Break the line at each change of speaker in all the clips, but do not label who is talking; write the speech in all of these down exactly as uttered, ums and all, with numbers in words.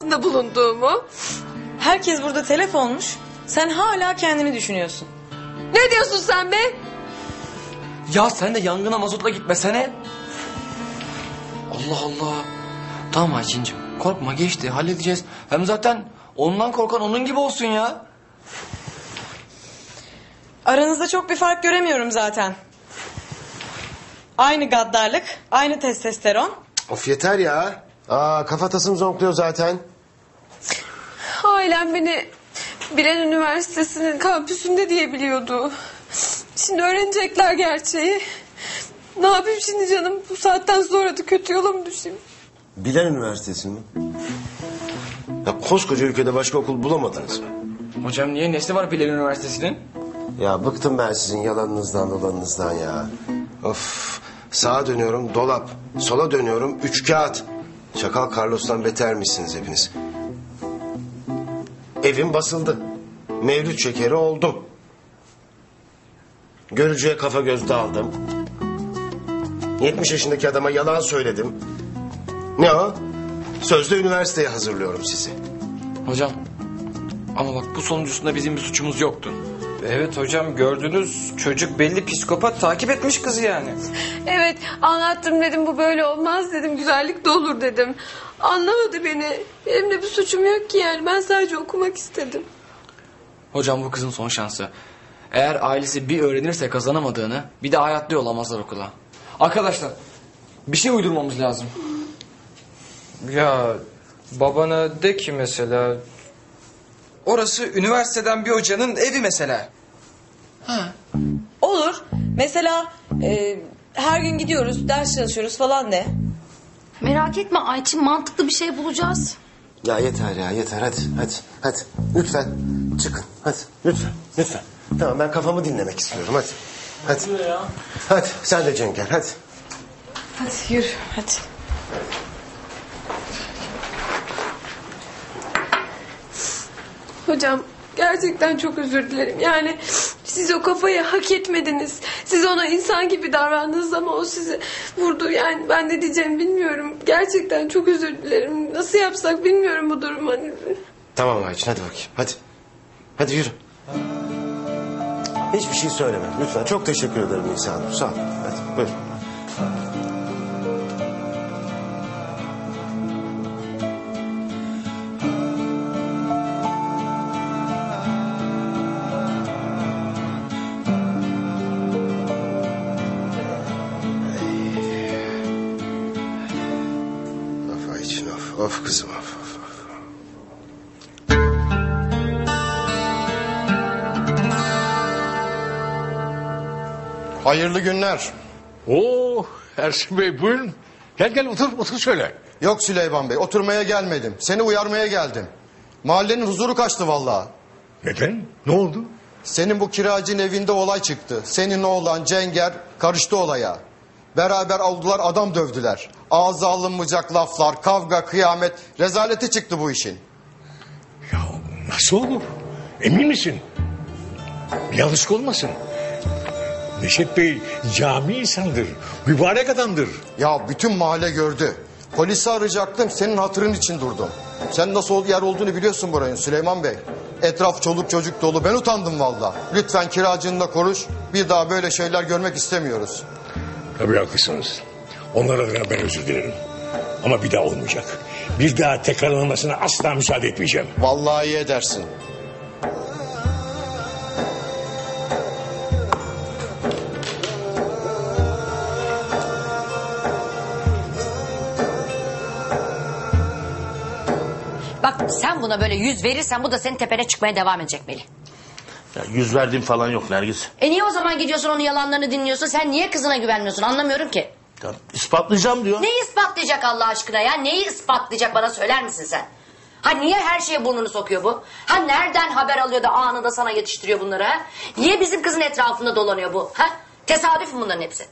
da bulunduğumu.
Herkes burada telef olmuş. Sen hala kendini düşünüyorsun.
Ne diyorsun sen be?
Ya sen de yangına mazotla gitmesene. Allah Allah. Tamam Ayçin'cim korkma geçti halledeceğiz. Hem zaten ondan korkan onun gibi olsun ya.
Aranızda çok bir fark göremiyorum zaten. Aynı gaddarlık, aynı testosteron.
Of yeter ya. Aa, kafatasım zonkluyor zaten.
Ailem beni Bilen Üniversitesi'nin kampüsünde diye biliyordu. Şimdi öğrenecekler gerçeği. Ne yapayım şimdi canım? Bu saatten sonra da kötü yola mı düşeyim?
Bilen Üniversitesi mi? Ya koskoca ülkede başka okul bulamadınız mı?
Hocam niye nesi var Bilal Üniversitesi'nin?
Ya bıktım ben sizin yalanınızdan dolanınızdan ya. Of, sağa dönüyorum dolap, sola dönüyorum üç kağıt. Çakal Carlos'tan beter misiniz hepiniz? Evim basıldı. Mevlüt şekeri oldum. Görücüye kafa göz daldım. yetmiş yaşındaki adama yalan söyledim. Ne o? Sözde üniversiteye hazırlıyorum sizi.
Hocam ama bak bu sonuncusunda bizim bir suçumuz yoktu.
Evet hocam gördünüz çocuk belli psikopat takip etmiş kızı yani.
Evet anlattım dedim bu böyle olmaz dedim. Güzellik de olur dedim. Anlamadı beni. Benim de bir suçum yok ki yani. Ben sadece okumak istedim.
Hocam bu kızın son şansı. Eğer ailesi bir öğrenirse kazanamadığını bir de hayatta yollamazlar okula. Arkadaşlar bir şey uydurmamız lazım.
Ya babana de ki mesela... Orası üniversiteden bir hocanın evi mesela.
Ha.
Olur. Mesela e, her gün gidiyoruz, ders çalışıyoruz falan de.
Merak etme Ayçin, mantıklı bir şey bulacağız.
Ya yeter ya yeter hadi hadi hadi. Lütfen çıkın hadi lütfen lütfen. Tamam ben kafamı dinlemek istiyorum hadi. Hadi. Hadi sen de Cenk gel hadi.
Hadi yürü, hadi.
Hocam gerçekten çok özür dilerim. Yani siz o kafayı hak etmediniz. Siz ona insan gibi davrandınız ama o sizi vurdu. Yani ben ne diyeceğimi bilmiyorum. Gerçekten çok özür dilerim. Nasıl yapsak bilmiyorum bu durumu. Hani...
Tamam Ayçin hadi bakayım hadi. Hadi yürü. Hiçbir şey söyleme lütfen. Çok teşekkür ederim Nisa Hanım. Sağ ol. Hadi buyur. Of Ayçin of. Of kızım of. of.
Hayırlı günler.
Oo Ersin Bey buyurun. Gel gel otur otur şöyle.
Yok Süleyman Bey, oturmaya gelmedim. Seni uyarmaya geldim. Mahallenin huzuru kaçtı vallahi.
Neden? Ne oldu?
Senin bu kiracının evinde olay çıktı. Senin oğlan Cenger karıştı olaya. Beraber oldular, adam dövdüler. Ağza alınmayacak laflar, kavga, kıyamet. Rezaleti çıktı bu işin.
Ya nasıl olur? Emin misin? Bir yanlışlık olmasın. Neşet Bey cami insandır. Mübarek adamdır.
Ya bütün mahalle gördü. Polisi arayacaktım, senin hatırın için durdum. Sen nasıl yer olduğunu biliyorsun buranın Süleyman Bey. Etraf çoluk çocuk dolu, ben utandım valla. Lütfen kiracınla konuş, bir daha böyle şeyler görmek istemiyoruz.
Tabii haklısınız. Onlar adına ben özür dilerim. Ama bir daha olmayacak. Bir daha tekrarlanmasına asla müsaade etmeyeceğim.
Vallahi iyi edersin.
Bak sen buna böyle yüz verirsen bu da senin tepene çıkmaya devam edecek Melih.
Ya yüz verdiğim falan yok Nergis.
E niye o zaman gidiyorsun onun yalanlarını dinliyorsun? Sen niye kızına güvenmiyorsun anlamıyorum ki.
Ya ispatlayacağım diyor.
Neyi ispatlayacak Allah aşkına ya? Neyi ispatlayacak bana söyler misin sen? Ha niye her şeye burnunu sokuyor bu? Ha nereden haber alıyor da anında sana yetiştiriyor bunları ha? Niye bizim kızın etrafında dolanıyor bu? Ha? Tesadüf mü bunların hepsi?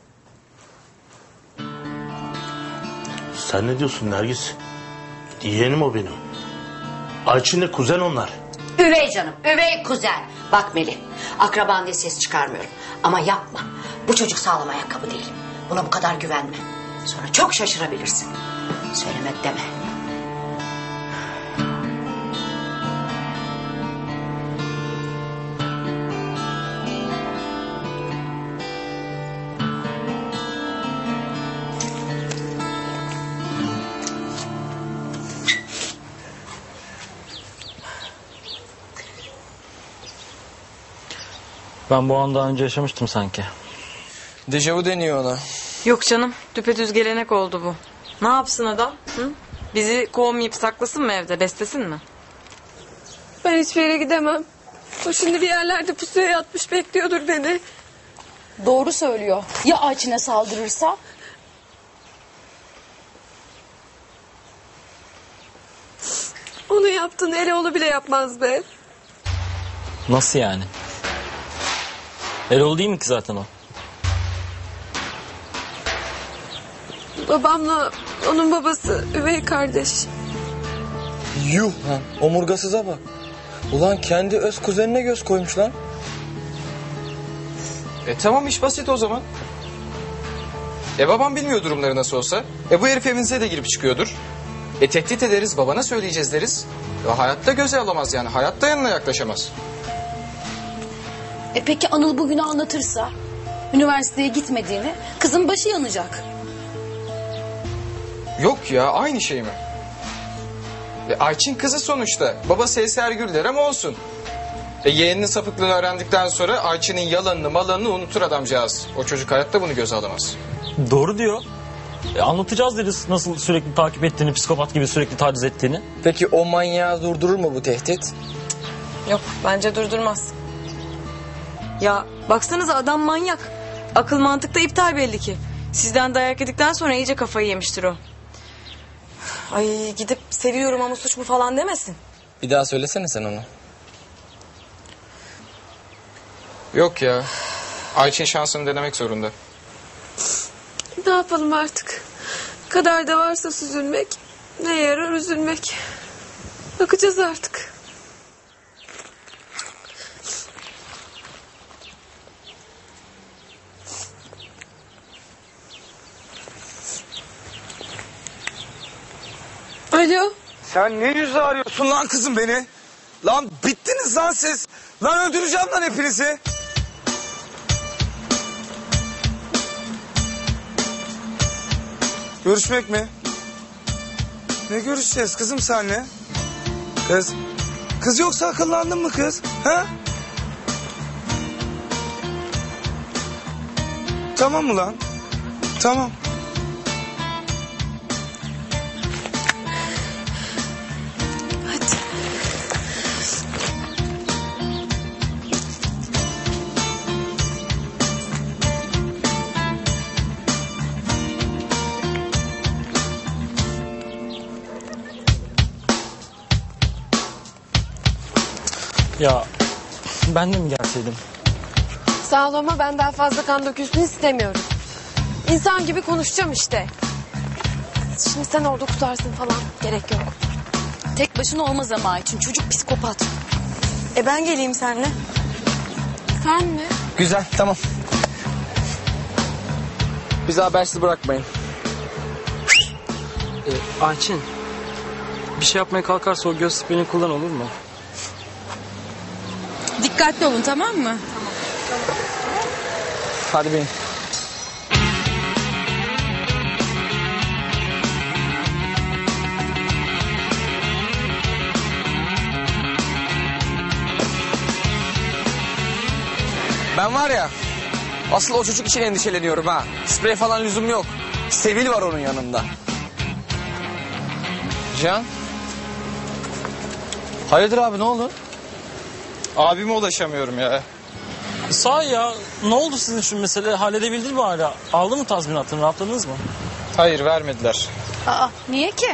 Sen ne diyorsun Nergis? Yeğenim o benim. Ayçin'le kuzen onlar.
Üvey canım, üvey kuzen. Bak Melih, akraban diye ses çıkarmıyorum. Ama yapma. Bu çocuk sağlam ayakkabı değil. Buna bu kadar güvenme. Sonra çok şaşırabilirsin. Söylemek deme.
Ben bu an daha önce yaşamıştım sanki.
Dejavu deniyor ona.
Yok canım, düpedüz gelenek oldu bu. Ne yapsın adam? Hı? Bizi kovmayıp saklasın mı evde, beslesin mi?
Ben hiçbir yere gidemem. O şimdi bir yerlerde pusuya yatmış bekliyordur beni.
Doğru söylüyor. Ya Ayçin'e saldırırsa?
Onu yaptığını Eloğlu bile yapmaz be.
Nasıl yani? Erol değil mi ki zaten o?
Babamla onun babası üvey kardeş.
Yuh lan, omurgasıza bak. Ulan kendi öz kuzenine göz koymuş lan.
E tamam, iş basit o zaman. E babam bilmiyor durumları nasıl olsa. E bu herif evinize de girip çıkıyordur. E tehdit ederiz, babana söyleyeceğiz deriz. E hayatta göze alamaz yani, hayatta yanına yaklaşamaz.
E peki Anıl bugünü anlatırsa? Üniversiteye gitmediğini, kızın başı yanacak.
Yok ya, aynı şey mi? E Ayçin kızı sonuçta. Babası Eser Gülder ama olsun. E yeğeninin sapıklığını öğrendikten sonra Ayçin'in yalanını malanını unutur adamcağız. O çocuk hayatta bunu göze alamaz.
Doğru diyor. E, anlatacağız deriz nasıl sürekli takip ettiğini, psikopat gibi sürekli taciz ettiğini.
Peki o manyağı durdurur mu bu tehdit?
Yok, bence durdurmaz. Ya baksanıza adam manyak. Akıl mantık da iptal belli ki. Sizden dayak yedikten sonra iyice kafayı yemiştir o. Ay gidip seviyorum ama suç mu falan demesin.
Bir daha söylesene sen onu.
Yok ya. Ayçin şansını denemek zorunda.
Ne yapalım artık? Kaderde varsa süzülmek, ne yarar üzülmek. Bakacağız artık. Alo.
Sen ne yüzle arıyorsun lan kızım beni? Lan bittiniz lan siz. Lan öldüreceğim lan hepinizi. Görüşmek mi? Ne görüşeceğiz kızım senle? Kız. Kız yoksa akıllandın mı kız? Ha? Tamam mı lan? Tamam.
Ya ben de mi gelseydim?
Sağ ol ama ben daha fazla kan dökülsün istemiyorum. İnsan gibi konuşacağım işte. Şimdi sen orada kutarsın falan. Gerek yok.
Tek başına olmaz ama Ayçin. Çocuk psikopat.
E ben geleyim seninle.
Sen mi?
Güzel, tamam. Bizi habersiz bırakmayın.
E, Ayçin, bir şey yapmaya kalkarsa o göz spreyini kullan, olur mu?
Dikkatli olun, tamam mı?
Hadi bin. Ben var ya, asıl o çocuk için endişeleniyorum ha. Sprey falan lüzum yok. Sevil var onun yanında. Can. Hayırdır abi, ne oldu?
Abime ulaşamıyorum ya.
Sağ ya, ne oldu sizin şu mesele? Halledebildiniz mi hala? Aldı mı tazminatını, rahatladınız mı?
Hayır, vermediler.
Aa, niye ki?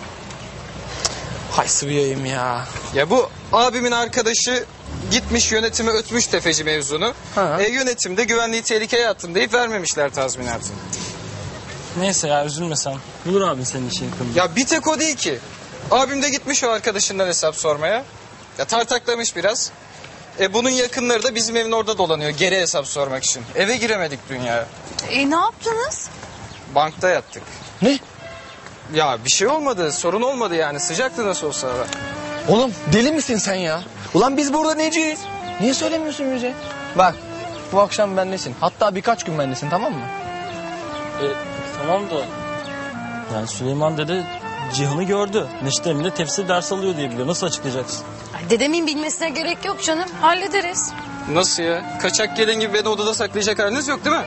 Hay sıvıyayım ya.
Ya bu abimin arkadaşı gitmiş yönetime ötmüş tefeci mevzunu.
Ha.
E yönetimde güvenliği tehlikeye attım deyip vermemişler tazminatını.
Neyse ya, üzülme sen. Bulur abin senin için yakında.
Ya bir tek o değil ki. Abim de gitmiş o arkadaşından hesap sormaya. Ya tartaklamış biraz. E bunun yakınları da bizim evin orada dolanıyor geri hesap sormak için. Eve giremedik dünya.
E ne yaptınız?
Bankta yattık.
Ne?
Ya bir şey olmadı, sorun olmadı yani. Sıcaktı nasıl olsa hava.
Oğlum deli misin sen ya? Ulan biz burada neciyiz? Niye söylemiyorsun bize? Bak, bu akşam bendesin. Hatta birkaç gün bendesin, tamam mı?
E, tamam da... Yani Süleyman dede Cihan'ı gördü. Neşet Emine tefsir ders alıyor diye biliyor. Nasıl açıklayacaksın?
Ay, dedemin bilmesine gerek yok canım. Hallederiz.
Nasıl ya? Kaçak gelin gibi beni odada saklayacak haliniz yok değil mi?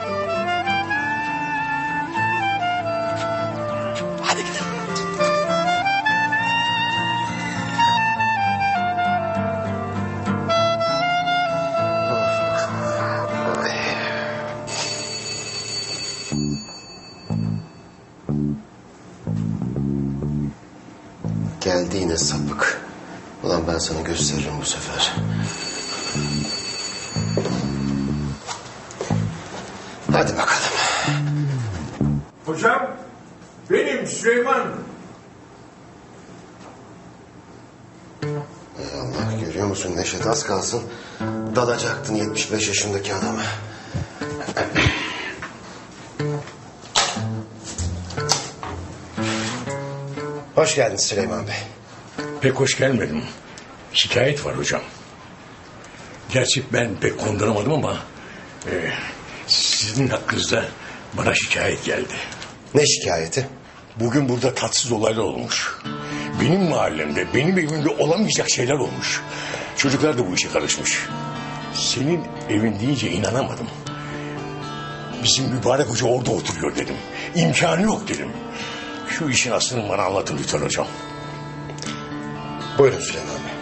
Hadi gidelim.
Geldi yine sapık. Ulan ben sana gösteririm bu sefer. Hadi bakalım.
Hocam benim Süleyman.
Ey Allah, görüyor musun Neşet, az kalsın dalacaktın yetmiş beş yaşındaki adama. Hoş geldin Süleyman Bey.
Pek hoş gelmedim. Şikayet var hocam. Gerçi ben pek konduramadım ama... E, sizin hakkınızda bana şikayet geldi.
Ne şikayeti?
Bugün burada tatsız olaylar olmuş. Benim mahallemde, benim evimde olamayacak şeyler olmuş. Çocuklar da bu işe karışmış. Senin evin deyince inanamadım. Bizim mübarek hoca orada oturuyor dedim. İmkanı yok dedim. Şu işin aslını bana anlatın lütfen hocam.
Buyurun Süleyman Bey.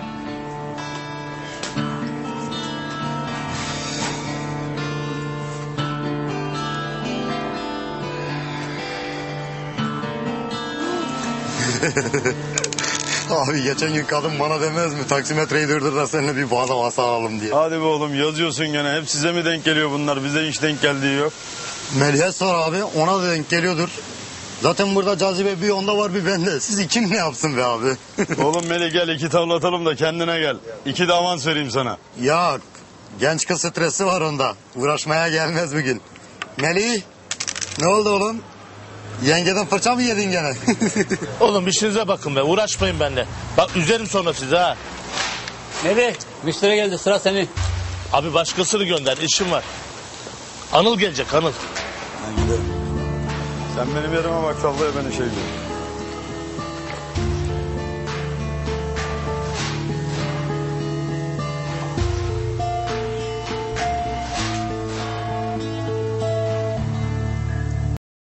Abi geçen gün kadın bana demez mi? Taksimetreyi durdur da seninle bir bağda masa alalım diye.
Hadi be oğlum, yazıyorsun gene. Hep size mi denk geliyor bunlar? Bize hiç denk geldiği yok.
Melih'e sor abi, ona da denk geliyordur. Zaten burada cazibe bir onda var bir bende. Siz kim ne yapsın be abi?
Oğlum Melih gel, iki tavla atalım da kendine gel. İki de avans vereyim sana.
Ya genç kız stresi var onda. Uğraşmaya gelmez bugün. Melih, ne oldu oğlum? Yengeden fırça mı yedin gene?
Oğlum işinize bakın be, uğraşmayın benimle. Bak üzerim sonra sizi ha.
Melih, müşteri geldi, sıra senin.
Abi başkasını gönder, işim var. Anıl gelecek, Anıl.
Ben giderim. Sen benim yerime bak, sallaya beni şey diyor.